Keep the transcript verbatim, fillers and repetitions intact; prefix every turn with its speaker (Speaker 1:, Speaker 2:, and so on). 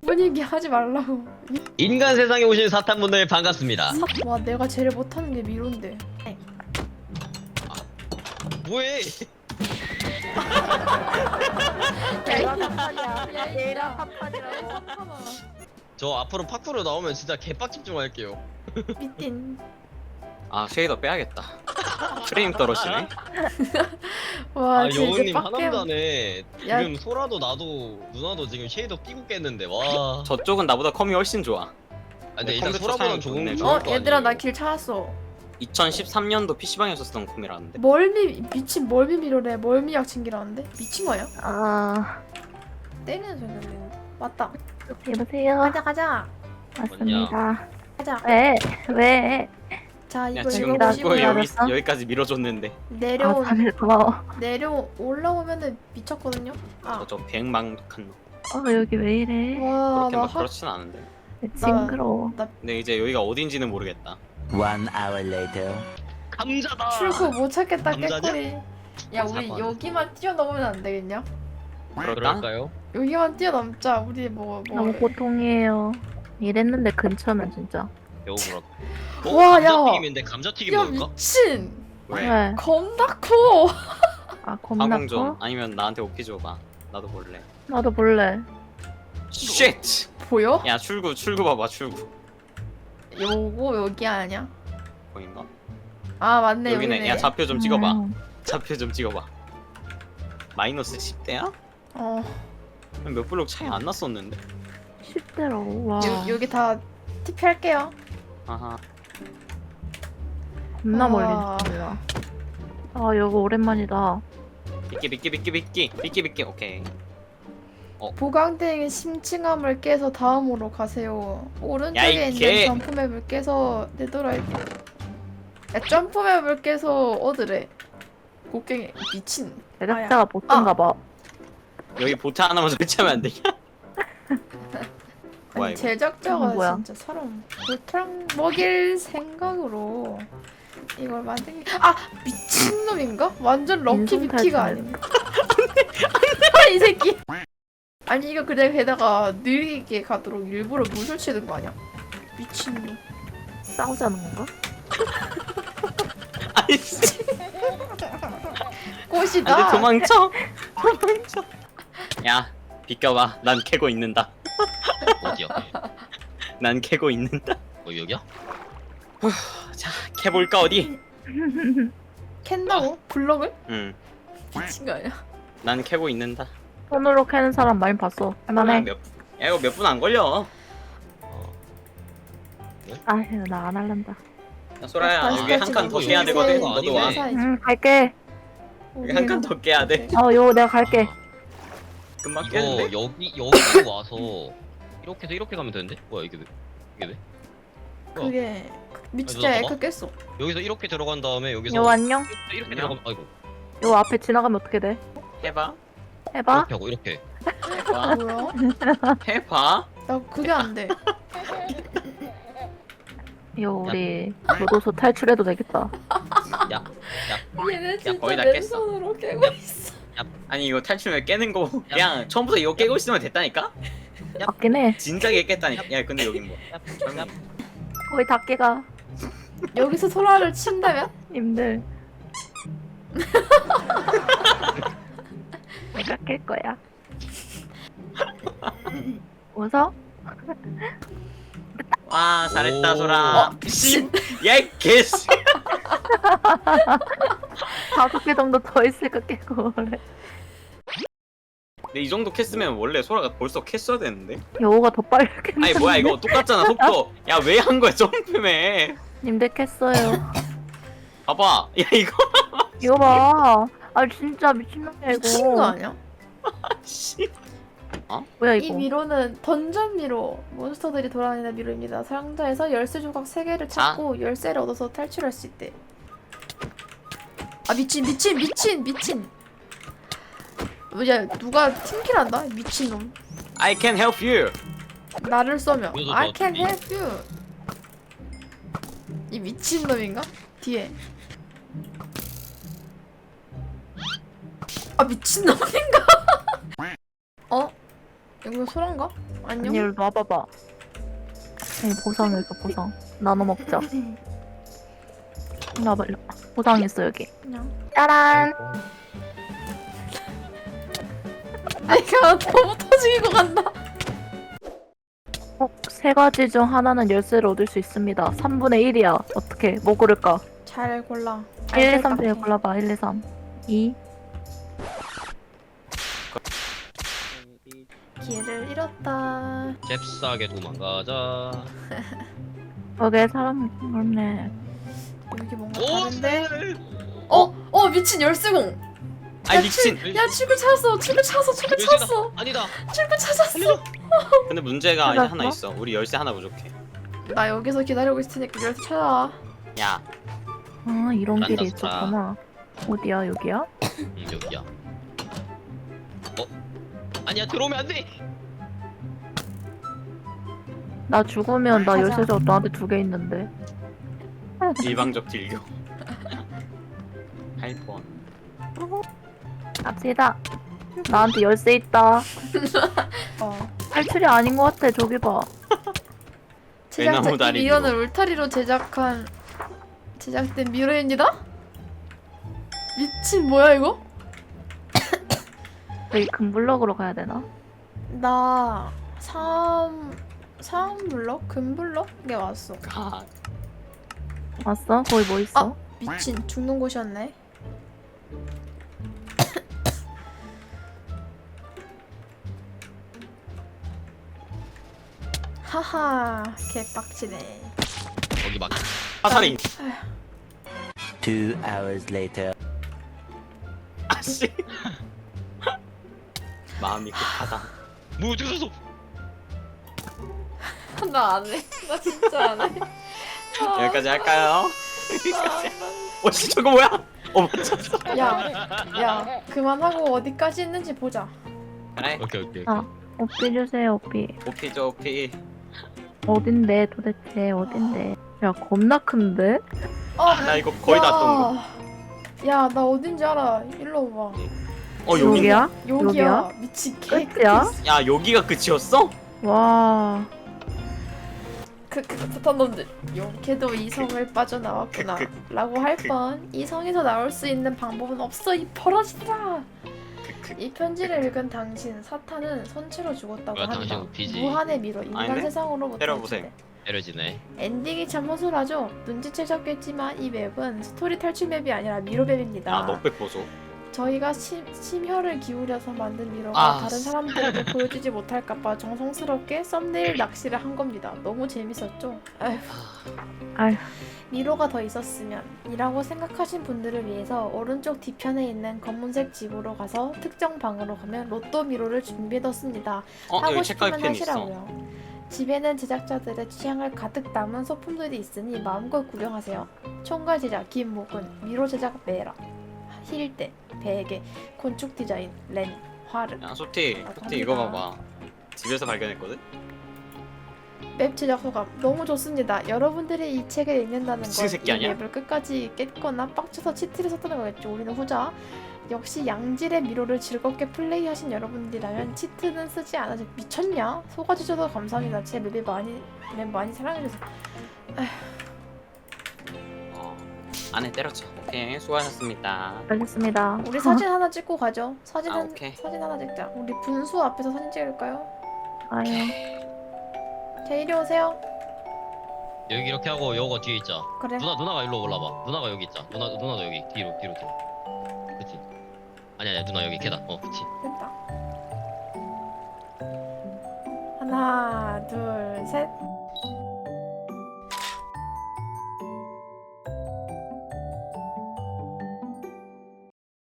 Speaker 1: 분위기 하지 말라고.
Speaker 2: 인간 세상에 오신 사탄분들 반갑습니다.
Speaker 1: 와 내가 제일 못하는 게 미로인데.
Speaker 2: 뭐해?
Speaker 3: 내가 사판이야. 내가 사판이라고.
Speaker 2: 저 앞으로 파쿠로 나오면 진짜 개빡 집중할게요.
Speaker 1: 미친.
Speaker 4: 아 쉐이더 빼야겠다. 프레임 떨어지네.
Speaker 1: 와
Speaker 2: 아
Speaker 1: 진짜
Speaker 2: 여우님
Speaker 1: 빡겜.
Speaker 2: 하남자네.
Speaker 1: 야.
Speaker 2: 지금 소라도 나도 누나도 지금 쉐이더 끼고 깼는데 와.
Speaker 4: 저쪽은 나보다 컴이 훨씬 좋아.
Speaker 2: 아, 근데 일단
Speaker 4: 컴퓨터
Speaker 2: 소라보단
Speaker 4: 사양
Speaker 2: 좋은
Speaker 4: 좋네.
Speaker 2: 좋을
Speaker 1: 어
Speaker 2: 거
Speaker 1: 얘들아 나
Speaker 2: 아니에요?
Speaker 1: 길 찾았어.
Speaker 4: 이천십삼 년도 피시방에서 쓰던 컴이라는데.
Speaker 1: 멀미 미친 멀미 미로래. 멀미 약 챙기라는데 미친 거야?
Speaker 3: 아,
Speaker 1: 때리는 소리 들리는데. 맞다.
Speaker 3: 여보세요.
Speaker 1: 가자 가자
Speaker 3: 맞습니다.
Speaker 1: 가자.
Speaker 3: 왜? 왜?
Speaker 1: 자
Speaker 4: 야
Speaker 1: 이거
Speaker 4: 지금
Speaker 1: 이거
Speaker 4: 자꾸
Speaker 1: 보시고요.
Speaker 4: 여기
Speaker 3: 알았어?
Speaker 4: 여기까지 밀어줬는데.
Speaker 1: 내려
Speaker 3: 아, 다들 고마워.
Speaker 1: 내려 올라오면은 미쳤거든요. 아.
Speaker 4: 저 백망독한 놈.
Speaker 3: 어, 여기 왜 이래?
Speaker 1: 와,
Speaker 4: 그렇게
Speaker 1: 나
Speaker 4: 막
Speaker 1: 하...
Speaker 4: 그렇진 않은데.
Speaker 3: 징그러워.
Speaker 4: 근데 이제 여기가 어딘지는 모르겠다.
Speaker 5: One hour later.
Speaker 2: 감자다.
Speaker 1: 출구 못 찾겠다
Speaker 2: 남자냐?
Speaker 1: 깨꼬리. 야 우리
Speaker 4: 사과.
Speaker 1: 여기만 뛰어넘으면 안 되겠냐?
Speaker 4: 그럴까?
Speaker 2: 그럴까요?
Speaker 1: 여기만 뛰어넘자. 우리 뭐 뭐.
Speaker 3: 너무 고통이에요. 이랬는데 근처면 진짜.
Speaker 2: 여우 그렇.
Speaker 1: 와, 야.
Speaker 2: 감자튀김인데 감자튀김
Speaker 1: 야
Speaker 2: 먹을까?
Speaker 1: 미친.
Speaker 4: 왜?
Speaker 3: 왜?
Speaker 1: 겁나 커.
Speaker 3: 아, 겁나
Speaker 4: 가공 좀
Speaker 3: 커?
Speaker 4: 아니면 나한테 오피 줘봐. 나도 볼래.
Speaker 3: 나도 볼래.
Speaker 4: 쉣!
Speaker 1: 보여?
Speaker 4: 야 출구 출구 봐봐 출구.
Speaker 1: 요거 여기 아니야?
Speaker 4: 보인가?
Speaker 1: 아 맞네
Speaker 4: 여기네.
Speaker 1: 여기네.
Speaker 4: 야 좌표 좀 찍어봐.
Speaker 3: 음.
Speaker 4: 좌표 좀 찍어봐. 마이너스 십 대야?
Speaker 1: 어
Speaker 4: 몇 블록 차이 안 났었는데.
Speaker 3: 십 대로. 와.
Speaker 1: 요, 여기 다 티피 할게요.
Speaker 4: 아하.
Speaker 3: 겁나
Speaker 1: 아.
Speaker 3: 멀리 있습니다. 아, 이거 오랜만이다.
Speaker 4: 비끼 비끼 비끼 비끼 비끼 비끼 오케이.
Speaker 1: 보강대행의 심층함을 깨서 다음으로 가세요.
Speaker 4: 야,
Speaker 1: 오른쪽에
Speaker 4: 이
Speaker 1: 있는
Speaker 4: 개.
Speaker 1: 점프맵을 깨서 내돌아야 돼. 야 점프맵을 깨서 얻으래. 곡괭이 미친.
Speaker 3: 제작자가 보통가 봐.
Speaker 4: 여기 보트 하나만 설치하면 안 되냐? 뭐야
Speaker 1: 아니
Speaker 4: 이거?
Speaker 1: 제작자가
Speaker 3: 이건 뭐야?
Speaker 1: 진짜 사람 골탕 먹일 생각으로 이걸 만든 게... 아 미친놈인가? 완전 럭키
Speaker 3: 인성
Speaker 1: 비키가
Speaker 3: 탈출.
Speaker 1: 아닌가? 아, 이 새끼 아니 이거 그냥 게다가 느리게 가도록 일부러 물 설치는 거 아니야? 미친놈.
Speaker 3: 싸우자는 건가?
Speaker 4: 아니 씨.
Speaker 1: 꽃이다.
Speaker 4: 안돼 도망쳐. 도망쳐. 야 비껴봐. 난 캐고 있는다.
Speaker 2: 어디야?
Speaker 4: 난 캐고 있는다.
Speaker 2: 어 여기야?
Speaker 4: 자 캐볼까 어디?
Speaker 1: 캔다고? 블럭을?
Speaker 4: 응.
Speaker 1: 미친 거 아니야?
Speaker 4: 난 캐고 있는다.
Speaker 3: 손으로 캐는 사람 많이 봤어. 할만해.
Speaker 4: 몇, 야 이거 몇 분 안 걸려.
Speaker 3: 아, 나 안 할란다.
Speaker 4: 야, 소라야
Speaker 1: 다시
Speaker 4: 여기 한
Speaker 1: 다시
Speaker 4: 칸 더
Speaker 1: 다시
Speaker 4: 깨야
Speaker 1: 다시
Speaker 4: 되거든.
Speaker 2: 다시
Speaker 4: 너도 와.
Speaker 2: 다시 다시.
Speaker 3: 응, 갈게.
Speaker 4: 여기 한 칸 더 깨야 돼.
Speaker 3: 어, 요거 내가 갈게.
Speaker 4: 금방
Speaker 2: 이거
Speaker 4: 깨는데?
Speaker 2: 여기 여기 와서 이렇게 해서 이렇게 가면 되는데? 뭐야 이게 왜? 이게 왜?
Speaker 1: 그게 미친
Speaker 2: 아니,
Speaker 1: 야
Speaker 2: 누가
Speaker 1: 에크 깼어.
Speaker 2: 여기서 이렇게 들어간 다음에 여기서
Speaker 3: 요 안녕.
Speaker 2: 이렇게, 이렇게
Speaker 4: 안녕.
Speaker 2: 들어가면 아이고
Speaker 3: 요 앞에 지나가면 어떻게 돼?
Speaker 4: 해봐.
Speaker 3: 해봐.
Speaker 2: 이렇게 하고 이렇게.
Speaker 4: 해봐.
Speaker 1: 뭐야?
Speaker 4: 해봐.
Speaker 1: 나 그게 안 돼.
Speaker 3: 요 우리 교도소 탈출해도 되겠다.
Speaker 2: 야, 야,
Speaker 1: 얘네 진짜
Speaker 4: 거의 다 깼어.
Speaker 1: 맨손으로 깨고 있어.
Speaker 4: 아니 이거 탈출면 깨는 거 그냥 처음부터 이거 깨고 있으면 됐다니까?
Speaker 3: 맞긴 해.
Speaker 4: 진작에 깼다니까. 야 근데 여긴 뭐?
Speaker 2: 야, 야.
Speaker 3: 거의 다 깨가.
Speaker 1: 여기서 소라를 친다면?
Speaker 3: 님들. 내가 깰 거야. 웃어?
Speaker 4: 와 잘했다
Speaker 2: 오.
Speaker 4: 소라.
Speaker 1: 어, 미친.
Speaker 4: 야 개씨.
Speaker 3: 다섯 개 정도 더 있을까 깨고 그래.
Speaker 4: 근데 이 정도 캤으면 원래 소라가 벌써 캤어야 되는데.
Speaker 3: 여우가 더 빨리 깼는데.
Speaker 4: 아니 뭐야 이거 똑같잖아 속도. 야 왜 한 거야 점프맨.
Speaker 3: 님들 깼어요.
Speaker 4: 봐봐. 야 이거.
Speaker 3: 이거 봐. 아 진짜 미친놈이야 이거.
Speaker 1: 미친 거 아니야?
Speaker 4: 씨.
Speaker 3: 뭐야
Speaker 1: 이
Speaker 3: 이거.
Speaker 1: 미로는 던전 미로, 몬스터들이 돌아다니는 미로입니다. 상자에서 열쇠 조각 세 개를 찾고 열쇠를 얻어서 탈출할 수 있대. 아 미친 미친 미친 미친. 뭐야 누가 팀킬한다? 미친놈.
Speaker 4: I can help you.
Speaker 1: 나를 쏘며
Speaker 2: 이거
Speaker 1: I
Speaker 2: 너
Speaker 1: can
Speaker 2: 어디?
Speaker 1: help you. 이 미친놈인가? 뒤에. 아 미친놈인가? 어? 이거 소란가? 안녕?
Speaker 3: 아니, 일로 와봐봐. 이 보상 여기 보상. 나눠 먹자. 일로 와봐, 일로. 보상 있어, 여기.
Speaker 1: 그냥.
Speaker 3: 짜란!
Speaker 1: 내가 너무 터지고 간다.
Speaker 3: 어, 세 가지 중 하나는 열쇠를 얻을 수 있습니다. 삼분의 일이야. 어떻게? 뭐 고를까?
Speaker 1: 잘 골라.
Speaker 3: 일, 이, 삼 중에 골라봐. 일, 이, 삼. 이.
Speaker 1: 길을 잃었다.
Speaker 2: 잽싸게 도망가자.
Speaker 3: 거기에 사람이 많네.
Speaker 1: 여기 뭔가
Speaker 2: 오!
Speaker 1: 다른데? 어? 어 미친 열쇠공.
Speaker 4: 아이 미친.
Speaker 1: 야 출구 찾았어. 출구 찾았어. 출구 찾았어.
Speaker 2: 아니다.
Speaker 1: 출구 찾았어.
Speaker 4: 근데 문제가 이제
Speaker 3: 찾았어?
Speaker 4: 하나 있어. 우리 열쇠 하나 부족해.
Speaker 1: 나 여기서 기다리고 있을 테니까 열쇠 찾아와.
Speaker 4: 야,
Speaker 3: 아, 이런
Speaker 2: 난다,
Speaker 3: 길이
Speaker 2: 스타.
Speaker 3: 있었구나. 어디야, 여기야?
Speaker 2: 응 여기야. 어? 아니야 들어오면 안 돼.
Speaker 3: 나 죽으면 나
Speaker 1: 가자.
Speaker 3: 열쇠적 너한테 두 개 있는데.
Speaker 4: 일방적 딜교. 할 뻔.
Speaker 3: 갑시다. 나한테 열쇠 있다.
Speaker 1: 어.
Speaker 3: 탈출이 아닌 것 같아. 저기 봐.
Speaker 1: 제작자
Speaker 4: 대나무
Speaker 1: 이
Speaker 4: 다리
Speaker 1: 미연을
Speaker 4: 미로.
Speaker 1: 울타리로 제작한 제작된 미로입니다. 미친 뭐야 이거?
Speaker 3: 여기 금블럭으로 가야 되나?
Speaker 1: 나 삼... 삼 블럭? 금 블럭에 왔어.
Speaker 4: 가.
Speaker 3: 왔어? 거기 뭐 있어?
Speaker 1: 아! 미친 죽는 곳이었네. 하하 개빡치네.
Speaker 2: 거기 막
Speaker 4: 화살이.
Speaker 5: Two hours later.
Speaker 4: 아씨. 마음이 급하다.
Speaker 2: 뭐 죽었어.
Speaker 1: 나 안 해. 나 진짜 안 해. 아,
Speaker 4: 여기까지 할까요? 여기까지.
Speaker 1: 아,
Speaker 4: 어씨 저거 뭐야? 어 맞췄어.
Speaker 1: 야, 야, 그만하고 어디까지 있는지 보자.
Speaker 4: 그래.
Speaker 2: 오케이 오케이.
Speaker 3: 아. 오피 주세요, 오피.
Speaker 4: 오피죠 오피.
Speaker 3: 어딘데 도대체 어딘데? 야, 겁나 큰데?
Speaker 1: 아,
Speaker 4: 나 이거 거의 다 떤 거.
Speaker 1: 야, 나 어딘지 알아. 일로 와봐.
Speaker 4: 어 여기.
Speaker 3: 여기야?
Speaker 1: 여기야.
Speaker 3: 여기야?
Speaker 1: 미친 개.
Speaker 3: 끝이야?
Speaker 4: 야 여기가 끝이었어?
Speaker 3: 와.
Speaker 1: 그, 그, 부탄 놈들. 용케도 이성을 빠져나왔구나.
Speaker 4: 그,
Speaker 1: 라고 할 뻔. 이성에서 나올 수 있는 방법은 없어, 이 버러지들아.
Speaker 4: 그,
Speaker 1: 이 편지를 읽은 당신, 사탄은 선체로 죽었다고
Speaker 2: 뭐야,
Speaker 1: 한다.
Speaker 2: 당신 우피지.
Speaker 1: 무한의 미로, 인간
Speaker 4: 아닌데?
Speaker 1: 세상으로부터
Speaker 4: 때려보세요.
Speaker 1: 유출돼.
Speaker 2: 때려지네.
Speaker 1: 엔딩이 참 허술하죠? 눈치채셨겠지만 이 맵은 스토리 탈출 맵이 아니라 미로 맵입니다.
Speaker 4: 야 넉백 보소.
Speaker 1: 저희가 심, 심혈을 기울여서 만든 미로가
Speaker 4: 아,
Speaker 1: 다른 사람들에게 보여주지 못할까봐 정성스럽게 썸네일 낚시를 한 겁니다. 너무 재밌었죠? 아휴.
Speaker 3: 아휴.
Speaker 1: 미로가 더 있었으면 이라고 생각하신 분들을 위해서 오른쪽 뒤편에 있는 검은색 집으로 가서 특정 방으로 가면 로또 미로를 준비해뒀습니다.
Speaker 4: 어
Speaker 1: 하고
Speaker 4: 여기
Speaker 1: 싶으면
Speaker 4: 책가위 펜 있어.
Speaker 1: 하시라고요. 집에는 제작자들의 취향을 가득 담은 소품들이 있으니 마음껏 구경하세요. 총괄 제작 김목은, 미로 제작 메라, 힐대, 베개, 건축 디자인 렌, 화르.
Speaker 4: 야 소티,
Speaker 1: 아,
Speaker 4: 소티 이거
Speaker 1: 갑니다.
Speaker 4: 봐봐. 집에서 발견했거든.
Speaker 1: 맵 제작 소감 너무 좋습니다. 여러분들이 이 책을 읽는다는
Speaker 4: 미친
Speaker 1: 건
Speaker 4: 새끼
Speaker 1: 이
Speaker 4: 아니야?
Speaker 1: 맵을 끝까지 깼거나 빡쳐서 치트를 썼다는 거겠죠. 우리는 후자. 역시 양질의 미로를 즐겁게 플레이하신 여러분들이라면 치트는 쓰지 않아도 미쳤냐? 속아주셔서 감사합니다. 제 맵이 많이 맵 많이 사랑해주세요.
Speaker 4: 어 안에 때렸죠. 오케이 수고하셨습니다.
Speaker 3: 알겠습니다.
Speaker 1: 우리 사진 하나 찍고 가죠. 사진
Speaker 4: 아,
Speaker 1: 한,
Speaker 4: 오케이.
Speaker 1: 사진 하나 찍자. 우리 분수 앞에서 사진 찍을까요?
Speaker 3: 아유.
Speaker 1: 자 이리 오세요.
Speaker 2: 여기 이렇게 하고 요거 뒤에 있자.
Speaker 1: 그래.
Speaker 2: 누나 누나가 일로 올라봐. 누나가 여기 있자. 누나 누나도 여기 뒤로 뒤로 뒤로. 그치? 아니 아니 누나 여기 계단. 어 그치.
Speaker 1: 됐다. 하나, 둘, 셋.